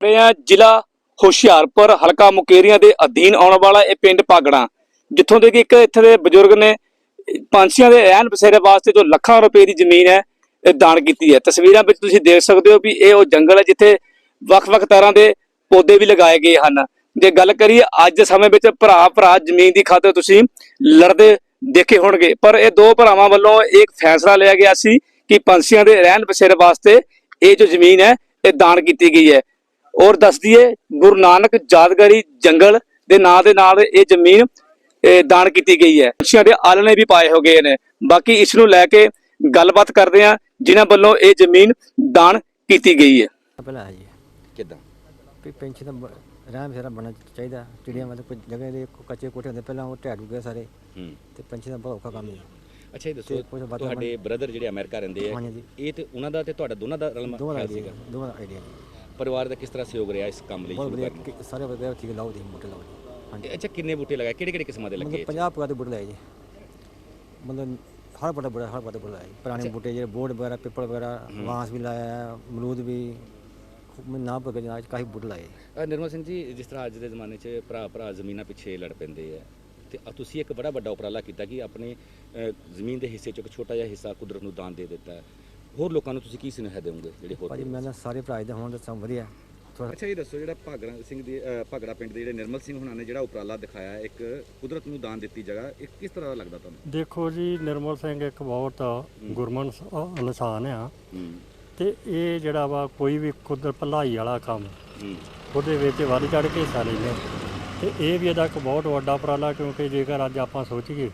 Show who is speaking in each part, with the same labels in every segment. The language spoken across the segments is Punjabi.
Speaker 1: ਜ਼ਿਲ੍ਹਾ ਹੁਸ਼ਿਆਰਪੁਰ ਹਲਕਾ ਮੁਕੇਰੀਆਂ ਦੇ ਅਧੀਨ ਆਉਣ ਵਾਲਾ ਇਹ ਪਿੰਡ ਭਾਗੜਾ, ਜਿੱਥੋਂ ਦੇ ਕਿ ਇੱਕ ਇੱਥੇ ਦੇ ਬਜ਼ੁਰਗ ਨੇ ਪੰਛੀਆਂ ਦੇ ਰਹਿਣ ਬਸੇਰੇ ਵਾਸਤੇ ਜੋ ਲੱਖਾਂ ਰੁਪਏ ਦੀ ਜ਼ਮੀਨ ਹੈ ਇਹ ਦਾਨ ਕੀਤੀ ਹੈ। ਤਸਵੀਰਾਂ ਵਿੱਚ ਤੁਸੀਂ ਦੇਖ ਸਕਦੇ ਹੋ ਵੀ ਇਹ ਉਹ ਜੰਗਲ ਹੈ ਜਿੱਥੇ ਵੱਖ-ਵੱਖ ਤਰ੍ਹਾਂ ਦੇ ਪੌਦੇ ਵੀ ਲਗਾਏ ਗਏ ਹਨ। ਜੇ ਗੱਲ ਕਰੀਏ ਅੱਜ ਦੇ ਸਮੇਂ ਵਿੱਚ ਭਰਾ ਜ਼ਮੀਨ ਦੀ ਖਾਤਰ ਤੁਸੀਂ ਲੜਦੇ ਦੇਖੇ ਹੋਣਗੇ, ਪਰ ਇਹ ਦੋ ਭਰਾਵਾਂ ਵੱਲੋਂ ਇੱਕ ਫੈਸਲਾ ਲਿਆ ਗਿਆ ਸੀ ਕਿ ਪੰਛੀਆਂ ਦੇ ਰਹਿਣ ਬਸੇਰੇ ਵਾਸਤੇ ਇਹ ਜੋ ਜ਼ਮੀਨ ਹੈ ਇਹ ਦਾਨ ਕੀਤੀ ਗਈ ਹੈ। ਔਰ ਦੱਸ ਦਈਏ ਗੁਰੂ ਨਾਨਕ ਯਾਦਗਾਰੀ ਜੰਗਲ ਦੇ ਨਾਂ ਦੇ ਨਾਲ ਇਹ ਜ਼ਮੀਨ ਦਾਨ ਕੀਤੀ ਗਈ ਹੈ। ਪੰਛੀਆਂ ਦੇ ਆਲਣੇ ਵੀ ਪਾਏ ਹੋ ਗਏ ਨੇ। ਬਾਕੀ ਇਸ ਨੂੰ ਲੈ ਕੇ ਗੱਲਬਾਤ ਕਰਦੇ ਆ ਜਿਨ੍ਹਾਂ ਵੱਲੋਂ ਇਹ ਜ਼ਮੀਨ ਦਾਨ ਕੀਤੀ ਗਈ ਹੈ।
Speaker 2: ਪਹਿਲਾਂ ਜੀ
Speaker 3: ਕਿੱਦਾਂ
Speaker 2: ਵੀ ਪੈਂਛੀ ਦਾ ਰਹਿਣ ਬਸੇਰਾ ਬਣਨਾ ਚਾਹੀਦਾ। ਚਿੜੀਆਂ ਮਤਲਬ ਕੋਈ ਜਗ੍ਹਾ ਦੇ ਕੱਚੇ ਕੋਠੇ ਹੁੰਦੇ ਪਹਿਲਾਂ ਉਹ ਢਹਿ ਗਏ ਸਾਰੇ, ਤੇ ਪੰਛੀ ਦਾ ਬਹੁਤ ਔਖਾ ਕੰਮ ਹੈ।
Speaker 3: ਅੱਛਾ ਇਹ ਦੱਸੋ ਤੁਹਾਡੇ ਬ੍ਰਦਰ ਜਿਹੜੇ ਅਮਰੀਕਾ ਰਹਿੰਦੇ ਆ, ਇਹ ਤੇ ਉਹਨਾਂ ਦਾ ਤੇ ਤੁਹਾਡਾ ਦੋਨਾਂ ਦਾ
Speaker 2: ਦੋਵਾਂ ਦਾ ਆਈਡੀਆ ਜੀ।
Speaker 3: ਪਰਿਵਾਰ ਦਾ ਕਿਸ ਤਰ੍ਹਾਂ ਸਹਿਯੋਗ ਰਿਹਾ ਇਸ ਕੰਮ ਲਈ?
Speaker 2: ਬਹੁਤ ਵਧੀਆ, ਸਾਰੇ ਵਧੀਆ ਠੀਕ ਲਾਓ ਦੀ ਬੂਟੇ ਲਾਓ ਜੀ।
Speaker 3: ਹਾਂਜੀ ਅੱਛਾ ਕਿੰਨੇ ਬੂਟੇ ਲਗਾਏ, ਕਿਹੜੇ ਕਿਸਮਾਂ ਦੇ ਲੱਗੇ?
Speaker 2: 50 ਪ੍ਰਕਾਰ ਦੇ ਬੂਟੇ ਲਾਏ ਜੀ। ਮਤਲਬ ਹਰ ਬੜਾ ਬੂਟੇ ਲਾਏ, ਪੁਰਾਣੇ ਬੂਟੇ ਜਿਹੜੇ ਬੋਰਡ ਵਗੈਰਾ ਪਿੱਪਲ ਵਗੈਰਾ ਬਾਂਸ ਵੀ ਲਾਇਆ, ਅਮਰੂਦ ਵੀ ਨਾ ਪਕੇ ਜਨਾਬ ਕਾਫੀ ਬੂਟੇ ਲਾਏ।
Speaker 3: ਨਿਰਮਲ ਸਿੰਘ ਜੀ, ਜਿਸ ਤਰ੍ਹਾਂ ਅੱਜ ਦੇ ਜ਼ਮਾਨੇ 'ਚ ਭਰਾ ਜ਼ਮੀਨਾਂ ਪਿੱਛੇ ਲੜ ਪੈਂਦੇ ਆ, ਤੇ ਤੁਸੀਂ ਇੱਕ ਬੜਾ ਵੱਡਾ ਉਪਰਾਲਾ ਕੀਤਾ ਕਿ ਆਪਣੇ ਜ਼ਮੀਨ ਦੇ ਹਿੱਸੇ 'ਚ ਇੱਕ ਛੋਟਾ ਜਿਹਾ ਹਿੱਸਾ ਕੁਦਰਤ ਨੂੰ ਦਾਨ ਦੇ ਦਿੱਤਾ ਹੈ। ਹੋਰ ਲੋਕਾਂ ਨੂੰ ਤੁਸੀਂ ਕੀ ਸੁਨੇਹਾ ਦੇਵੋਗੇ ਜਿਹੜੇ ਹੋਰ?
Speaker 2: ਭਾਜੀ ਮੈਂ ਸਾਰੇ ਭਰਾ ਦੇ ਹੋਣ ਦਾ ਸਭ ਵਧੀਆ।
Speaker 3: ਅੱਛਾ ਇਹ ਦੱਸੋ ਜਿਹੜਾ ਭਾਗੜਾ ਪਿੰਡ ਦੇ ਜਿਹੜੇ ਨਿਰਮਲ ਸਿੰਘ ਹੁਣਾਂ ਨੇ ਜਿਹੜਾ ਉਪਰਾਲਾ ਦਿਖਾਇਆ ਇੱਕ ਕੁਦਰਤ ਨੂੰ ਦਾਨ ਦਿੱਤੀ ਜਗ੍ਹਾ, ਇਹ ਕਿਸ ਤਰ੍ਹਾਂ ਦਾ ਲੱਗਦਾ ਤੁਹਾਨੂੰ?
Speaker 4: ਦੇਖੋ ਜੀ, ਨਿਰਮਲ ਸਿੰਘ ਇੱਕ ਬਹੁਤ ਗੁਰਮਨ ਇਨਸਾਨ ਆ, ਤੇ ਇਹ ਜਿਹੜਾ ਵਾ ਕੋਈ ਵੀ ਕੁਦਰਤ ਭਲਾਈ ਵਾਲਾ ਕੰਮ ਉਹਦੇ ਵਿੱਚ ਵੱਧ ਚੜ੍ਹ ਕੇ ਹਿੱਸਾ ਲੈਂਦੇ, ਤੇ ਇਹ ਵੀ ਇਹਦਾ ਇੱਕ ਬਹੁਤ ਵੱਡਾ ਉਪਰਾਲਾ। ਕਿਉਂਕਿ ਜੇਕਰ ਅੱਜ ਆਪਾਂ ਸੋਚੀਏ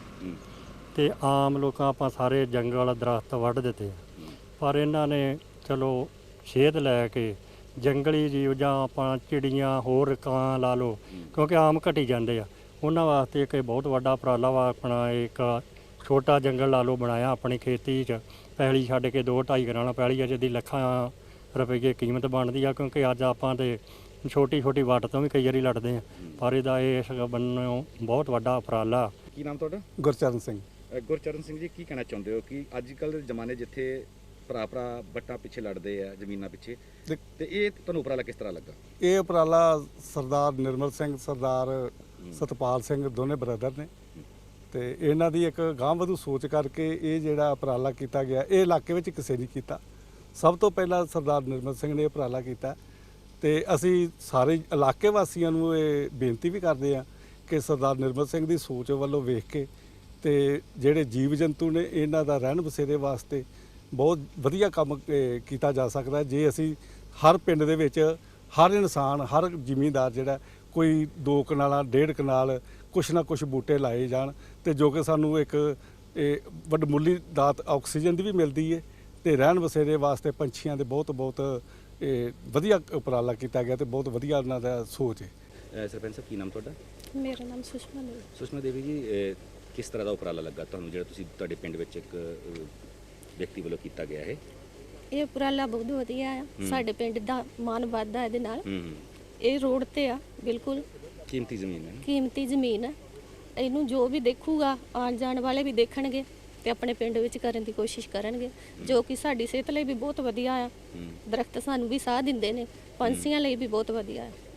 Speaker 4: ਤੇ ਆਮ ਲੋਕਾਂ ਆਪਾਂ ਸਾਰੇ ਜੰਗਲ ਦਰਖਤ ਵੱਢ ਦਿੱਤੇ, ਪਰ ਇਹਨਾਂ ਨੇ ਚਲੋ ਸੇਧ ਲੈ ਕੇ ਜੰਗਲੀ ਜੀਵ ਜਾਂ ਆਪਾਂ ਚਿੜੀਆਂ ਹੋਰ ਕਾਂ ਲਾ ਲਓ, ਕਿਉਂਕਿ ਆਮ ਘਟੀ ਜਾਂਦੇ ਆ, ਉਹਨਾਂ ਵਾਸਤੇ ਇੱਕ ਬਹੁਤ ਵੱਡਾ ਉਪਰਾਲਾ ਵਾ। ਆਪਣਾ ਇੱਕ ਛੋਟਾ ਜੰਗਲ ਲਾ ਲਓ ਬਣਾਇਆ ਆਪਣੀ ਖੇਤੀ 'ਚ, ਪੈਲੀ ਛੱਡ ਕੇ 2-2.5 ਕਰਾਉਣਾ ਪੈਲੀ ਅਜੇ ਦੀ ਲੱਖਾਂ ਰੁਪਏ ਕੀਮਤ ਬਣਦੀ ਆ। ਕਿਉਂਕਿ ਅੱਜ ਆਪਾਂ ਤੇ ਛੋਟੀ ਵੱਟ ਤੋਂ ਵੀ ਕਈ ਵਾਰੀ ਲੜਦੇ ਆ, ਪਰ ਇਹਦਾ ਇਸ ਬੰਨੋਂ ਬਹੁਤ ਵੱਡਾ ਉਪਰਾਲਾ।
Speaker 3: ਕੀ ਨਾਮ ਤੁਹਾਡਾ?
Speaker 5: ਗੁਰਚਰਨ ਸਿੰਘ।
Speaker 3: ਗੁਰਚਰਨ ਸਿੰਘ ਜੀ, ਕੀ ਕਹਿਣਾ ਚਾਹੁੰਦੇ ਹੋ ਕਿ ਅੱਜ ਕੱਲ੍ਹ ਦੇ ਜ਼ਮਾਨੇ ਜਿੱਥੇ ਭਰਾ ਵੱਟਾਂ ਪਿੱਛੇ ਲੜਦੇ ਆ ਜ਼ਮੀਨਾਂ ਪਿੱਛੇ, ਤੇ ਇਹ ਤੁਹਾਨੂੰ ਉਪਰਾਲਾ ਕਿਸ ਤਰ੍ਹਾਂ ਲੱਗਾ?
Speaker 5: ਇਹ ਉਪਰਾਲਾ ਸਰਦਾਰ ਨਿਰਮਲ ਸਿੰਘ, ਸਰਦਾਰ ਸਤਪਾਲ ਸਿੰਘ ਦੋਨੇ ਬ੍ਰਦਰ ਨੇ, ਤੇ ਇਹਨਾਂ ਦੀ ਇੱਕ ਗਾਂਹਵਧੂ ਸੋਚ ਕਰਕੇ ਇਹ ਜਿਹੜਾ ਉਪਰਾਲਾ ਕੀਤਾ ਗਿਆ, ਇਹ ਇਲਾਕੇ ਵਿੱਚ ਕਿਸੇ ਨਹੀਂ ਕੀਤਾ। ਸਭ ਤੋਂ ਪਹਿਲਾਂ ਸਰਦਾਰ ਨਿਰਮਲ ਸਿੰਘ ਨੇ ਉਪਰਾਲਾ ਕੀਤਾ, ਤੇ ਅਸੀਂ ਸਾਰੇ ਇਲਾਕੇ ਵਾਸੀਆਂ ਨੂੰ ਇਹ ਬੇਨਤੀ ਵੀ ਕਰਦੇ ਹਾਂ ਕਿ ਸਰਦਾਰ ਨਿਰਮਲ ਸਿੰਘ ਦੀ ਸੋਚ ਵੱਲੋਂ ਵੇਖ ਕੇ ਤੇ ਜਿਹੜੇ ਜੀਵ ਜੰਤੂ ਨੇ ਇਹਨਾਂ ਦਾ ਰਹਿਣ ਬਸੇਰੇ ਵਾਸਤੇ ਬਹੁਤ ਵਧੀਆ ਕੰਮ ਕੀਤਾ ਜਾ ਸਕਦਾ ਜੇ ਅਸੀਂ ਹਰ ਪਿੰਡ ਦੇ ਵਿੱਚ ਹਰ ਇਨਸਾਨ, ਹਰ ਜ਼ਿਮੀਂਦਾਰ ਜਿਹੜਾ ਕੋਈ 2 ਕਨਾਲਾਂ 1.5 ਕਨਾਲ ਕੁਛ ਨਾ ਕੁਛ ਬੂਟੇ ਲਾਏ ਜਾਣ, ਤੇ ਜੋ ਕਿ ਸਾਨੂੰ ਇੱਕ ਵੱਡਮੁੱਲੀ ਦਾਤ ਆਕਸੀਜਨ ਦੀ ਵੀ ਮਿਲਦੀ ਹੈ, ਤੇ ਰਹਿਣ ਬਸੇਰੇ ਵਾਸਤੇ ਪੰਛੀਆਂ ਦੇ ਬਹੁਤ ਵਧੀਆ ਉਪਰਾਲਾ ਕੀਤਾ ਗਿਆ, ਤੇ ਬਹੁਤ ਵਧੀਆ ਉਹਨਾਂ ਦਾ ਸੋਚ ਹੈ।
Speaker 3: ਸਰਪੰਚ ਸਾਹਿਬ, ਕੀ ਨਾਮ ਤੁਹਾਡਾ?
Speaker 6: ਮੇਰਾ ਨਾਮ ਸੁਸ਼ਮਾ ਦੇਵੀ।
Speaker 3: ਸੁਸ਼ਮਾ ਦੇਵੀ ਜੀ, ਕਿਸ ਤਰ੍ਹਾਂ ਦਾ ਉਪਰਾਲਾ ਲੱਗਾ ਤੁਹਾਨੂੰ ਜਿਹੜਾ ਤੁਸੀਂ ਤੁਹਾਡੇ ਪਿੰਡ ਵਿੱਚ ਇੱਕ ਵਿਅਕਤੀ ਵੱਲੋਂ ਕੀਤਾ ਗਿਆ ਹੈ?
Speaker 6: ਇਹ ਉਪਰਾਲਾ ਬਹੁਤ ਵਧੀਆ ਆ, ਸਾਡੇ ਪਿੰਡ ਦਾ ਮਾਣ ਵੱਧਦਾ ਇਹਦੇ ਨਾਲ। ਇਹ ਰੋਡ ਤੇ ਆ, ਬਿਲਕੁਲ
Speaker 3: ਕੀਮਤੀ ਜ਼ਮੀਨ ਹੈ,
Speaker 6: ਕੀਮਤੀ ਜ਼ਮੀਨ ਹੈ। ਇਹਨੂੰ ਜੋ ਵੀ ਦੇਖੂਗਾ, ਆਉਣ ਜਾਣ ਵਾਲੇ ਵੀ ਦੇਖਣਗੇ ਤੇ ਆਪਣੇ ਪਿੰਡ ਵਿੱਚ ਕਰਨ ਦੀ ਕੋਸ਼ਿਸ਼ ਕਰਨਗੇ, ਜੋ ਕਿ ਸਾਡੀ ਸਿਹਤ ਲਈ ਵੀ ਬਹੁਤ ਵਧੀਆ ਆ। ਦਰਖਤ ਸਾਨੂੰ ਵੀ ਸਾਹ ਦਿੰਦੇ ਨੇ, ਪੰਛੀਆਂ ਲਈ ਵੀ ਬਹੁਤ ਵਧੀਆ ਹੈ।